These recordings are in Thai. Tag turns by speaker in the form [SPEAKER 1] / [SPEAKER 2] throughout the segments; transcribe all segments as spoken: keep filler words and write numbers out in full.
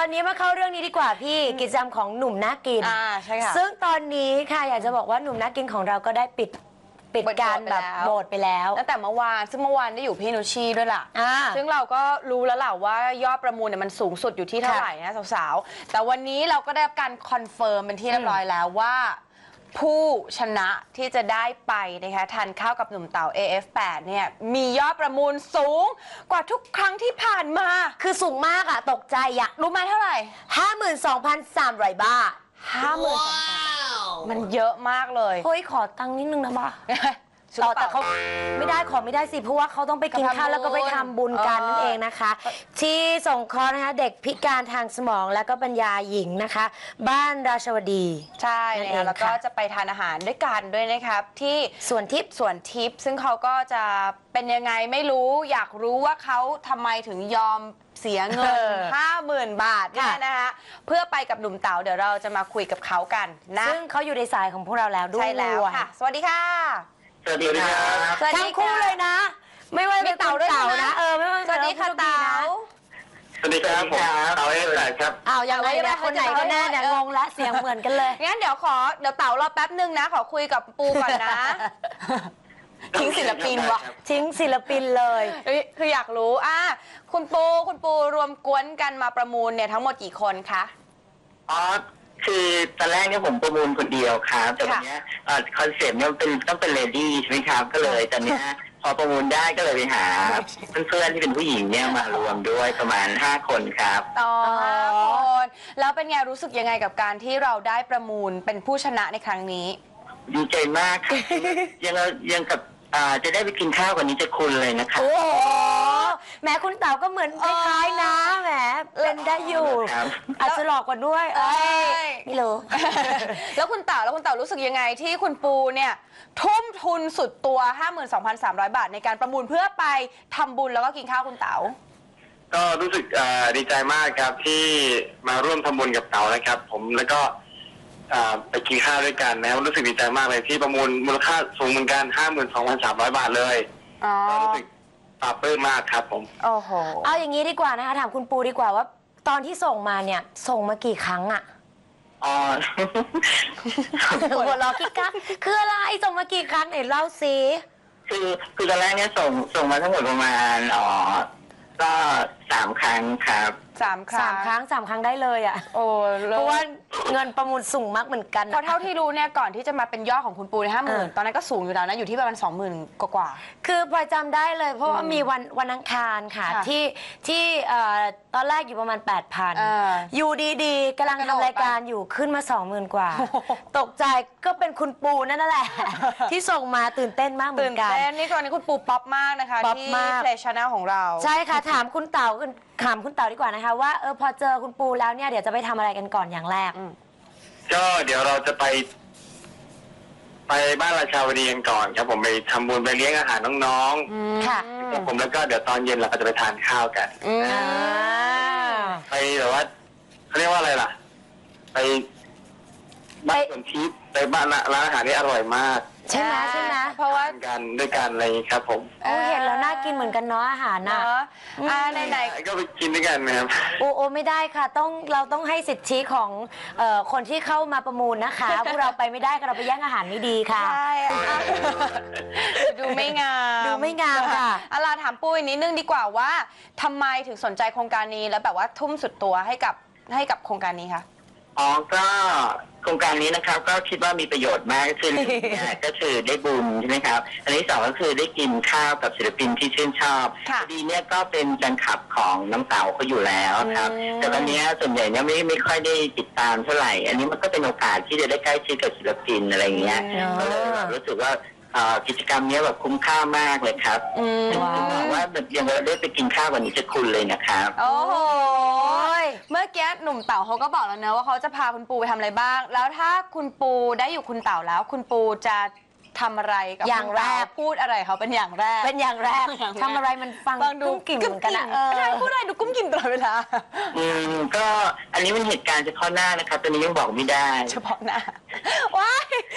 [SPEAKER 1] อนนี้มาเข้าเรื่องนี้ดีกว่าพี่กิจกรรมของหนุ่มน่ากิน
[SPEAKER 2] อ่าใช่ค่ะ
[SPEAKER 1] ซึ่งตอนนี้ค่ะอยากจะบอกว่าหนุ่มน่ากินของเราก็ได้ปิดปิดการแบบโบสไปแล้ว
[SPEAKER 2] ตั้งแต่เมื่อวานซึ่งเมื่อวานได้อยู่พี่นุชชีด้วยล่ะซึ่งเราก็รู้แล้วล่ะว่ายอดประมูลเนี่ยมันสูงสุดอยู่ที่เท่าไหร่นะสาวๆแต่วันนี้เราก็ได้รับการคอนเฟิร์มเป็นที่เรียบร้อยแล้วว่าผู้ชนะที่จะได้ไปนะคะทานข้าวกับหนุ่มเต๋า เอ เอฟ แปด เนี่ยมียอดประมูลสูงกว่าทุกครั้งที่ผ่านมา
[SPEAKER 1] คือสูงมากอะตกใจอะ
[SPEAKER 2] รู้ไหมเท่าไหร่
[SPEAKER 1] ห้าหมื่นสองพันสามร้อยบาท
[SPEAKER 2] ห้าหมื่นสองพัน มันเยอะมากเลย
[SPEAKER 1] เฮ้ยขอตังค์นิดนึงนะบ้าต่อแต่เขาไม่ได้ขอไม่ได้สิเพราะว่าเขาต้องไปกินข้าวแล้วก็ไปทำบุญกันนั่นเองนะคะที่สงเคราะห์นะคะเด็กพิการทางสมองและก็ปัญญาหญิงนะคะบ้านราชวดี
[SPEAKER 2] ใช่นะคะแล้วก็จะไปทานอาหารด้วยกันด้วยนะครับที่
[SPEAKER 1] สวนทิพย์
[SPEAKER 2] สวนทิพย์ซึ่งเขาก็จะเป็นยังไงไม่รู้อยากรู้ว่าเขาทำไมถึงยอมเสียเงิน ห้าหมื่น บาทเนี่ยนะคะเพื่อไปกับหนุ่มเต๋าเดี๋ยวเราจะมาคุยกับเขากันนะ
[SPEAKER 1] ซึ่งเขาอยู่ในสายของพวกเราแล้วด้วย
[SPEAKER 2] ใช่แล้วค่ะสวัสดีค่ะ
[SPEAKER 3] สวัสดีครับ
[SPEAKER 1] ทั้งคู่เลยนะไม่ว่าจะเต่าด้วยนะเออไม่ว่า
[SPEAKER 2] สวัสดีค่ะเต๋า
[SPEAKER 3] สวัสดีครับผมเต๋าเอฟแปดครับ
[SPEAKER 1] อ้าวยังไงเนี่ยคนไหนก็แน่เนี่ยงงและเสียงเหมือนกันเลย
[SPEAKER 2] งั้นเดี๋ยวขอเดี๋ยวเต๋ารอแป๊บนึงนะขอคุยกับปูก่อนนะทิ้งศิลปินวะ
[SPEAKER 1] ทิ้งศิลปินเลย
[SPEAKER 2] คืออยากรู้อ่ะคุณปูคุณปูรวมกวนกันมาประมูลเนี่ยทั้งหมดกี่คนคะ
[SPEAKER 3] อ๋อคือตอนแรกเนี่ยผมประมูลคนเดียวครับแต่วันนี้คอนเซ็ปต์เนี่ยเป็นต้องเป็นเลดี้ใช่ไหมครับก็เลยตอนนี้พอประมูลได้ก็เลยไปหาเพื่อนๆที่เป็นผู้หญิงเนี่ยมารวมด้วยประมาณห้าคนครับ
[SPEAKER 2] อ๋อห้าคนแล้วเป็นไงรู้สึกยังไงกับการที่เราได้ประมูลเป็นผู้ชนะในครั้งนี้
[SPEAKER 3] ดีใจมากครับยังยังกับจะได้ไปกินข้าวกันนี้จะคุณเลยนะครับ
[SPEAKER 1] โอ้โหแม้คุณเต๋าก็เหมือนคล้ายๆนะแหมเป็นได้อยู่อาจจะหลอกกว่าด้วยเอ้ยไม่รู้
[SPEAKER 2] แล้วคุณเต๋าแล้วคุณเต๋ารู้สึกยังไงที่คุณปูเนี่ยทุ่มทุนสุดตัว ห้าหมื่นสองพันสามร้อย บาทในการประมูลเพื่อไปทำบุญแล้วก็กินข้าวคุณเต๋า
[SPEAKER 3] ก็รู้สึกดีใจมากครับที่มาร่วมทำบุญกับเต๋านะครับผมแล้วก็ไปกินข้าวด้วยกันนะครับรู้สึกดีใจมากเลยที่ประมูลมูลค่าสูงเหมือนกัน ห้าหมื่นสองพันสามร้อย บาทเลยก็รู้สึกปลาบปลื้มมากครับผม
[SPEAKER 1] โอ้โหเอาอย่างนี้ดีกว่านะคะถามคุณปูดีกว่าว่าตอนที่ส่งมาเนี่ยส่งมากี่ครั้งอะ
[SPEAKER 3] อ๋อ
[SPEAKER 1] หัวเราะกิ๊กกักคืออะไรส่งมากี่ครั้งไหนเล่าสิ
[SPEAKER 3] คือคือตอนแรกเนี่ยส่งส่งมาทั้งหมดประมาณอ๋อก็สามครั้งครับ
[SPEAKER 2] สามครั้ง
[SPEAKER 1] สามครั้งสามครั้งได้เลยอ่ะ
[SPEAKER 2] โอ้
[SPEAKER 1] เพราะว่าเงินประมูลสูงมากเหมือนกัน
[SPEAKER 2] เพราะเท่าที่รู้เนี่ยก่อนที่จะมาเป็นยอดของคุณปูในห้าหมื่นตอนนั้นก็สูงอยู่แล้วนะอยู่ที่ประมาณสองหมื่นกว่า
[SPEAKER 1] คือพลอยจำได้เลยเพราะว่ามีวันวันอังคารค่ะที่ที่ตอนแรกอยู่ประมาณแปดพันอยู่ดีๆกำลังทำรายการอยู่ขึ้นมาสองหมื่นกว่าตกใจก็เป็นคุณปูนั่นแหละที่ส่งมาตื่นเต้นมากเหมือนกัน
[SPEAKER 2] ตื่นเต้นนี่ตอนนี้คุณปูป๊อปมากนะคะที่เพลย์ชาแนลของเรา
[SPEAKER 1] ใช่ค่ะถามคุณเต๋าถามคุณเต๋าดีกว่านะคะว่าเออพอเจอคุณปูแล้วเนี่ยเดี๋ยวจะไปทำอะไรกันก่อนอย่างแรก
[SPEAKER 3] ก็เดี๋ยวเราจะไป ไปบ้านราชาวดีกันก่อนครับผมไปทำบุญไปเลี้ยงอาหารน้อง
[SPEAKER 1] ๆค่ะ
[SPEAKER 3] ผมแล้วก็เดี๋ยวตอนเย็นเราก็จะไปทานข้าวกันไปแบบว่าเขาเรียกว่าอะไรล่ะไปบ้านสวนทิพย์ไปบ้านร้านอาหารนี่อร่อยมาก
[SPEAKER 1] ใช่ไหมใช่ไหม
[SPEAKER 3] เพราะว่ากันด้วยกันอะไรอย่างนี้ครับผม
[SPEAKER 1] โอ้เห็นแล้วน่ากินเหมือนกันเนาะอาหารนะ
[SPEAKER 2] อ่าไหนๆ
[SPEAKER 3] ก็ไปกินด้วยกันนะครับ
[SPEAKER 1] โอ้โอ้ไม่ได้ค่ะต้องเราต้องให้สิทธิของคนที่เข้ามาประมูลนะคะพวกเราไปไม่ได้ค่ะเราไปแย่งอาหารไม่ดีค่ะ
[SPEAKER 2] ใช่ดูไม่งาม
[SPEAKER 1] ดูไม่งามค่ะ
[SPEAKER 2] อาลาถามปุ้ยนิดนึงดีกว่าว่าทำไมถึงสนใจโครงการนี้แล้วแบบว่าทุ่มสุดตัวให้กับให้กับโครงการนี้คะ
[SPEAKER 3] อ๋อก็โครงการนี้นะครับก็คิดว่ามีประโยชน์มากก็คือก็คือได้บุญใช่ไหมครับอันที่สองก็คือได้กินข้าวกับศิลปินที่ชื่นชอบพอดีเนี่ยก็เป็นแฟนคลับของน้ำเต๋าเขาอยู่แล้วครับแต่ตอนนี้ส่วนใหญ่เนี่ยไม่ไม่ค่อยได้ติดตามเท่าไหร่อันนี้มันก็เป็นโอกาสที่จะได้ใกล้ชิดกับศิลปินอะไรเงี้ยก็เลยรู้สึกว่ากิจกรรมนี้แบบคุ้มค่ามากเลยครับถึงบอกว่ายังได้ไปกินข้าววันนี้จะคุณเลยนะครับ
[SPEAKER 2] โอ้โหเมื่อกี้หนุ่มเต๋าเขาก็บอกแล้วนะว่าเขาจะพาคุณปูไปทำอะไรบ้างแล้วถ้าคุณปูได้อยู่คุณเต๋าแล้วคุณปูจะทำอะไรกับ
[SPEAKER 1] อย่างแรก
[SPEAKER 2] พูดอะไรเขาเป็นอย่างแรก
[SPEAKER 1] เป็นอย่างแรกทำอะไรมันฟังดูกุ้มกิ่มเหมือนกันนะ
[SPEAKER 2] ใช่พูดอะไรดูกุ้มกิ่มตลอดเวลา
[SPEAKER 3] อืมก็อันนี้มันเหตุการณ์เฉพาะหน้านะครับตอนนี้ยังบอกไม่ได้
[SPEAKER 2] เฉพาะหน้าว้าย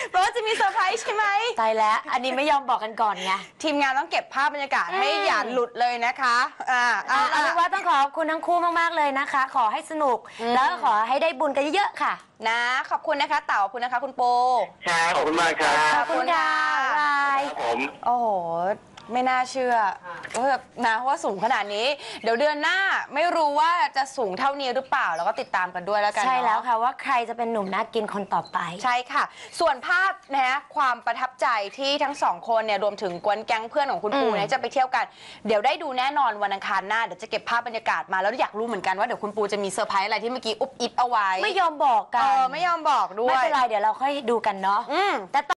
[SPEAKER 2] เพราะว่าจะมีเซอร์ไพรส์ใช่ไหม
[SPEAKER 1] ตายแล้วอันนี้ไม่ยอมบอกกันก่อนไง
[SPEAKER 2] ทีมงานต้องเก็บภาพบรรยากาศให้อย่าหลุดเลยนะคะอ่า
[SPEAKER 1] เอา
[SPEAKER 2] เอา
[SPEAKER 1] เป็น
[SPEAKER 2] ละ
[SPEAKER 1] ว่าต้องขอบคุณทั้งคู่มากๆเลยนะคะ ขอให้สนุกแล้วก็ขอให้ได้บุญกันเยอะๆค่ะ
[SPEAKER 2] นะขอบคุณนะคะเต่าขอบคุณนะคะคุณปู
[SPEAKER 3] ครับขอบคุณมากครับ
[SPEAKER 1] ขอบคุณค่ะบาย
[SPEAKER 3] ครับผม
[SPEAKER 2] โอ้โห ไม่น่าเชื่อว่าแบบนะว่าสูงขนาดนี้ เดี๋ยวเดือนหน้าไม่รู้ว่าจะสูงเท่านี้หรือเปล่าแล้วก็ติดตามกันด้วยแล้วกัน
[SPEAKER 1] ใช่แล้ว
[SPEAKER 2] เนาะ
[SPEAKER 1] ค่ะว่าใครจะเป็นหนุ่มน่ากินคนต่อไป
[SPEAKER 2] ใช่ค่ะ ส่วนภาพนะฮะความประทับใจที่ทั้งสองคนเนี่ยรวมถึงกวนแก๊งเพื่อนของคุณปู
[SPEAKER 1] อืม
[SPEAKER 2] เนี่ยจะไปเที่ยวกันเดี๋ยวได้ดูแน่นอนวันอังคารหน้าเดี๋ยวจะเก็บภาพบรรยากาศมาแล้วอยากรู้เหมือนกันว่าเดี๋ยวคุณปูจะมีเซอร์ไพรส์อะไรที่เมื่อกี้อุบอิบเอาไว้
[SPEAKER 1] ไม่ยอมบอกกั
[SPEAKER 2] เอน อไม่ยอมบอกด้วย
[SPEAKER 1] ไม่เป็นไรเดี๋ยวเราค่อยดูกันเนาะ
[SPEAKER 2] อืม
[SPEAKER 1] แต่